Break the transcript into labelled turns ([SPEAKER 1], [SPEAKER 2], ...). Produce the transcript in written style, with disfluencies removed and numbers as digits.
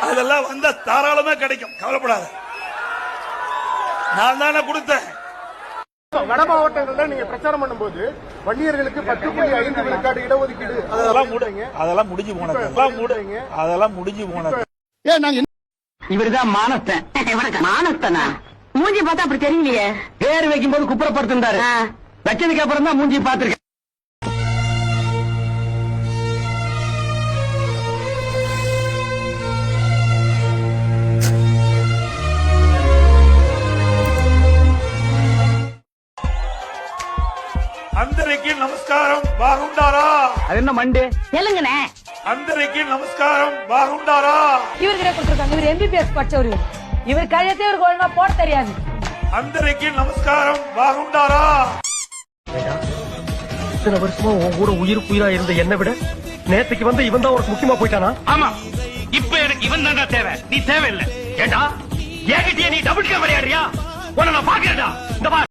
[SPEAKER 1] அதெல்லாம் வந்தா தாராளமா கிடைக்கும், கவலைப்படாத. நான் தானே கொடுத்தேன்.
[SPEAKER 2] வட மாவட்டங்கள்ல நீங்க பிரச்சாரம் பண்ணும்போது வன்னியர்களுக்கு 10.5 விழுக்காடு இடஒதுக்கீடு
[SPEAKER 1] அதெல்லாம் முடிஞ்சு போனது. அதெல்லாம் முடிஞ்சு போனது.
[SPEAKER 3] இவருதான் மானஸ்தன். மானஸ்தனா? மூஞ்சி பார்த்தா அப்படி தெரியலையே. பேர் வைக்கும் போது குப்புறப்படுத்திருந்தாரு. வச்சதுக்கு அப்புறம் தான் மூஞ்சி பார்த்திருக்கேன்.
[SPEAKER 1] అందరికి నమస్కారం, బాగుండారా?
[SPEAKER 3] அது என்ன மண்டு தெலுங்குனே.
[SPEAKER 1] అందరికి నమస్కారం, బాగుండారా?
[SPEAKER 4] இவர்கிட்ட கொடுத்திருக்காங்க. இவர் எம்பிபிஎஸ் படிச்சவர். இவர் கையெழுத்து இவருக்கு ஒழுங்கா போட தெரியாது.
[SPEAKER 1] అందరికి నమస్కారం, బాగుండారా?
[SPEAKER 5] இத்தனை வருஷமா உன் கூட உயிரா இருந்த என்னை விட நேத்துக்கு வந்து இவன் தான் உனக்கு முக்கியமா போயிட்டானா?
[SPEAKER 6] ஆமா, இப்ப எனக்கு இவன் தான்டா தேவை, நீ தேவையில்லை. ஏண்டா என்கிட்டயே நீ டபுள் விளையாடுறியா? உன்னை நான் பாக்குறேன்டா. இந்த